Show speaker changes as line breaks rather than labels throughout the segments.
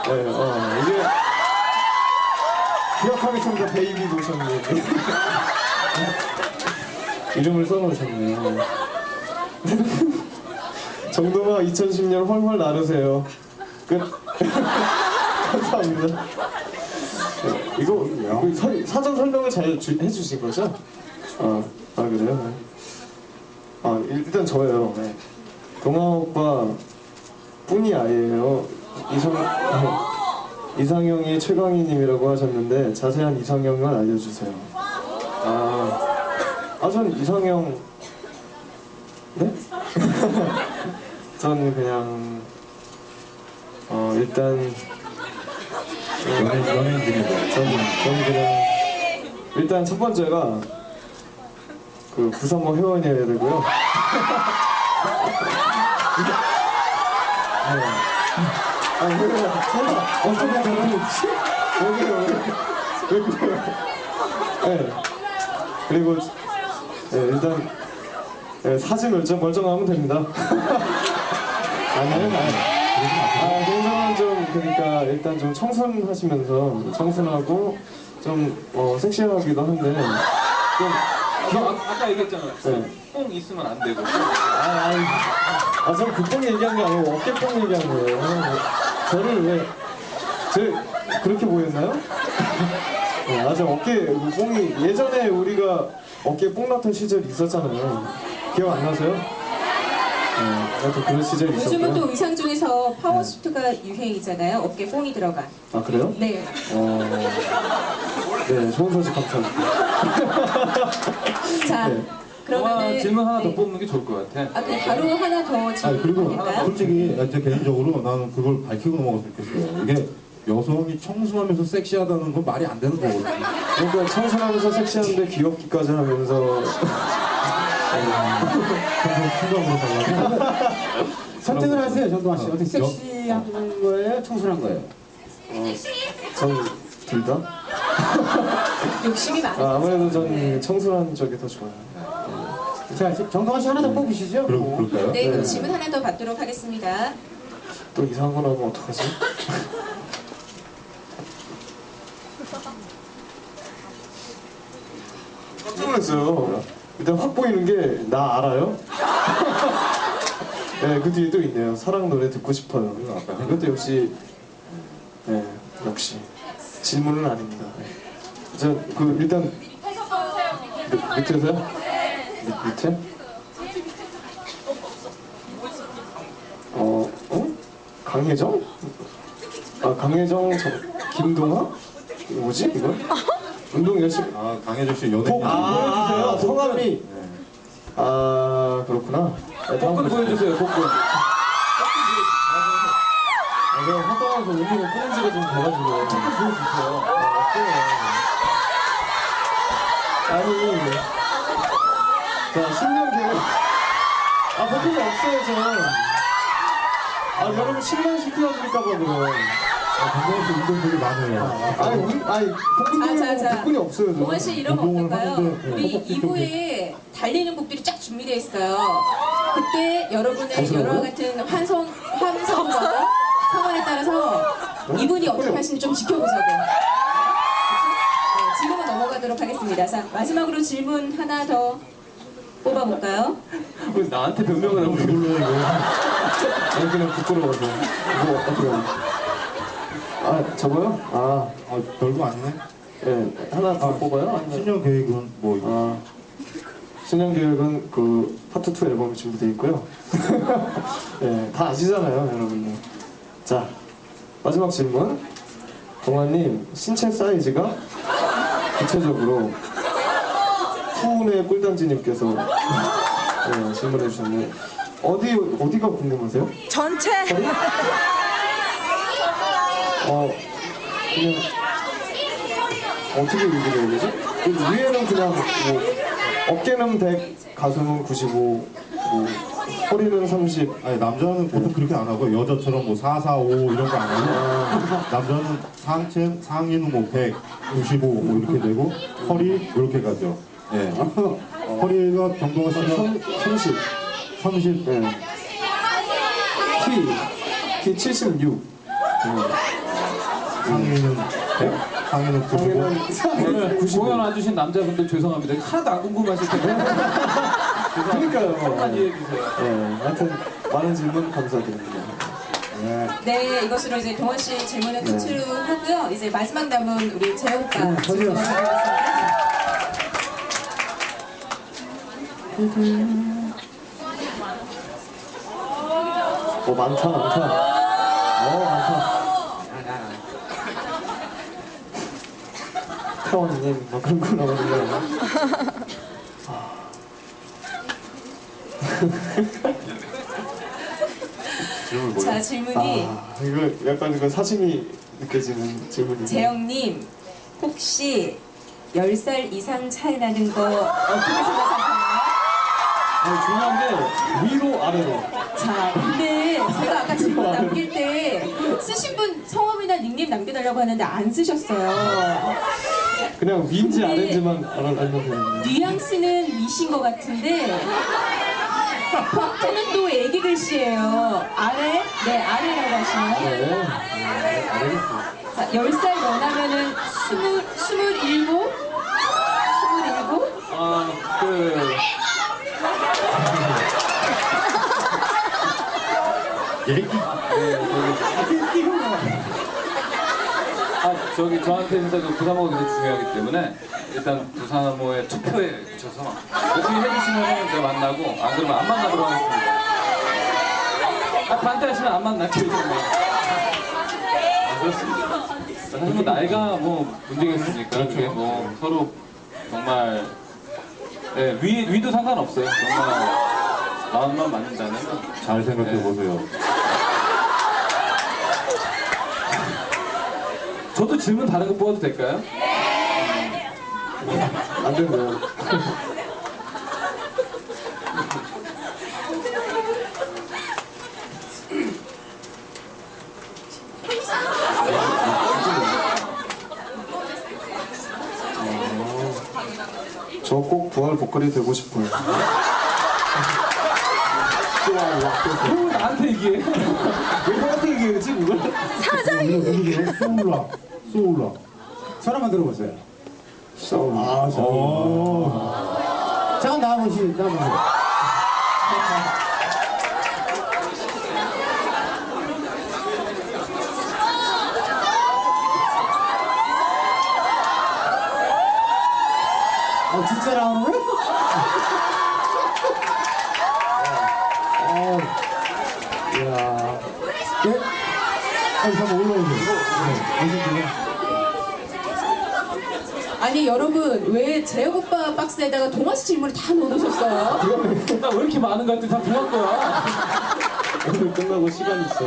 네, 이게 기억하겠습니다. 베이비 노션님. 이름을 써놓으셨네요. 정동아 2010년 헐헐 나르세요. 끝. 감사합니다. 네, 이거 사전 설명을 잘 해주신 거죠? 그래요? 네. 일단 저예요. 네. 동아 오빠 뿐이 아니에요. 이상형이 최강희님이라고 하셨는데 자세한 이상형을 알려주세요. 전 이상형 네? 전 그냥 일단
연예인들이죠.
저는 그냥 일단 첫 번째가 그 부산모 회원이어야 되고요. 어떻게 저러는지? 왜 그래요? 네. 그리고 일단 사진 멀쩡하면 됩니다. 동생은 좀 그러니까 일단 좀 청순하시면서 청순하고 좀 섹시하기도 한데 좀
아까 얘기했잖아요.
네.
뽕 있으면 안 되고.
전 그뽕 얘기한 게 아니고 어깨뽕 얘기한 거예요. 저를 그렇게 보였나요? 저 어깨 뽕이 예전에 우리가 어깨 뽕 났던 시절이 있었잖아요. 기억 안 나세요? 또 그런 시절이 있었고요.
요즘은 또 의상 중에서 파워수트가 유행이잖아요. 어깨 뽕이 들어간.
그래요?
네.
네, 좋은 소식 감사합니다.
자,
네.
그러면
질문 하나 더 뽑는 게 좋을 것 같아.
그럼 바로 하나 더
그리고
질문할까요?
솔직히 제 개인적으로 나는 그걸 밝히고 넘어갔으면 좋겠어요. 이게 여성이 청순하면서 섹시하다는 건 말이 안 되는 거거든요.
그러니까 청순하면서 섹시한데 귀엽기까지 하면서
생각으로 달라고.
선택을 하세요, 정동아 씨. 어떻게 섹시한 거예요? 청순한 거예요?
전 둘 다?
욕심이 많아요.
아무래도 전 청순한 쪽이 더 좋아요.
자, 정동아 씨 하나 더 뽑으시죠?
그럴까요?
네, 그럼
네.
질문 하나 더 받도록 하겠습니다.
또 이상한 거 나오면 어떡하지? 깜짝 놀랐어요. 일단 확 보이는 게 나 알아요? 네, 그 뒤에 또 있네요. 사랑 노래 듣고 싶어요. 이것도 역시 역시 질문은 아닙니다. 일단 밑에서요? 밑에? 강혜정? 강혜정, 김동아? 뭐지 이거? 운동 열심히.
강혜정 씨 연예인.
보여주세요. 성함이. 그렇구나.
복근 보여주세요. 복근.
내가 활동하면서 운동을 끊은 지가 좀 돼가지고. 복근 보여주세요. 자, 10년 계획. 복근이 없어요, 저는. 여러분 실망시켜드릴까봐 그래요.
강혜정 씨 운동 되게 많아요.
복근이 없어요, 저는.
동원 씨 이러면
운동을
어떨까요?
하는데,
우리 2부에 달리는 곡들이 쫙 준비되어 있어요. 그때 여러분의 여러 같은 환성과 성원에 따라서 이분이 어떻게 하시는지 좀 지켜보자고. 네, 지금은 넘어가도록 하겠습니다. 자, 마지막으로 질문 하나 더 뽑아볼까요?
왜 나한테 변명을 하고 그래?
이걸로 이거.
그냥 부끄러워서. 이거 어떻게 하면. 저거요?
별거 아니네.
네, 하나 더 뽑아요?
신년 계획은 뭐 이거.
신년 계획은 그 파트 2 앨범이 준비되어 있고요. 네, 다 아시잖아요, 여러분들. 자, 마지막 질문. 동아님, 신체 사이즈가 구체적으로 푸운의 꿀단지님께서 질문해 주셨네요. 어디가 궁금하세요?
전체.
그냥 어떻게 얘기를 해야 되지? 위에는 그냥 뭐 어깨는 100, 가슴은 95, 허리는 30.
아니 남자는 보통 그렇게 안 하고 여자처럼 뭐 4, 4, 5 이런 거 안 하고 남자는 상의는 뭐 100, 95 뭐 이렇게 되고 허리 이렇게 가죠. 예. 허리가 정도가 씨는
30.
30.
키 76.
상의는 100, 상의는 95.
오늘 공연 와주신 남자분들 죄송합니다. 하나도 안 궁금하실 텐데.
그러니까요.
조금만 이해해주세요.
네, 하여튼 많은 질문 감사드립니다.
네.
네, 이것으로 이제 동원 씨 질문은
네.
끝으로 하고요. 이제 마지막 남은 우리 재영 오빠
저기요.
질문 드리겠습니다.
많다, 많다. 많다. 태원님, 뭐 그런 거 나오는데.
질문 뭐예요?
자, 질문이
이거 약간 그 사심이 느껴지는 질문이에요.
재영님, 혹시 10살 이상 차이 나는 거 어떻게 생각하세요?
중요한 게 위로 아래로.
자, 근데 제가 아까 질문 남길 때 쓰신 분 성함이나 닉네임 남겨달라고 하는데 안 쓰셨어요.
그냥 위인지
근데
아래인지만 알면 되는데.
뉘앙스는 미신 것 같은데 폰트는 또 애기 글씨예요. 아래? 네, 아래라고 하시나요?
네. 알겠습니다.
자, 10살 연하면은 27?
얘기?
저기 저한테 진짜 그 부사모가 굉장히 중요하기 때문에 일단 부사모의 투표에 붙여서 오케이 해주시면 제가 만나고 안 그러면 안 만나도록 하겠습니다. 반대하시면 안 만날게요. 그렇습니다. 사실 뭐 나이가 뭐 문제겠습니까? 그게 뭐 서로 정말 위도 상관없어요. 정말 마음만 맞는다면
잘 생각해 보세요.
저도 질문 다른 거 뽑아도 될까요?
안 된대요. 저 꼭 부활 보컬이 되고 싶어요.
형 나한테 얘기해.
왜 형한테 얘기했지 그걸?
누구세요? 소울라. 소울라.
전화만 들어보세요.
아,
잠깐 나와보시죠. 진짜 나오는 거야?
이야.
네? 잠깐 올라오세요.
아니 여러분 왜 재혁 오빠 박스에다가 동원 씨 질문을 다 넣어놓으셨어요?
나 왜 이렇게 많은 것 같아? 다 동할 거야.
오늘 끝나고 시간 있어.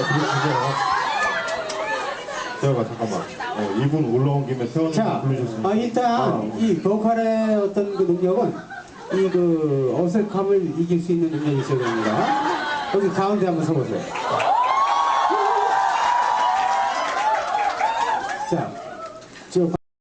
태어가 잠깐만. 이분 올라온 김에 태원님
자,
부르셨습니다.
일단 이 보컬의 어떤 그 능력은 이 그 어색함을 이길 수 있는 능력이 있어야 됩니다. 여기 가운데 한번 서보세요. 자, 저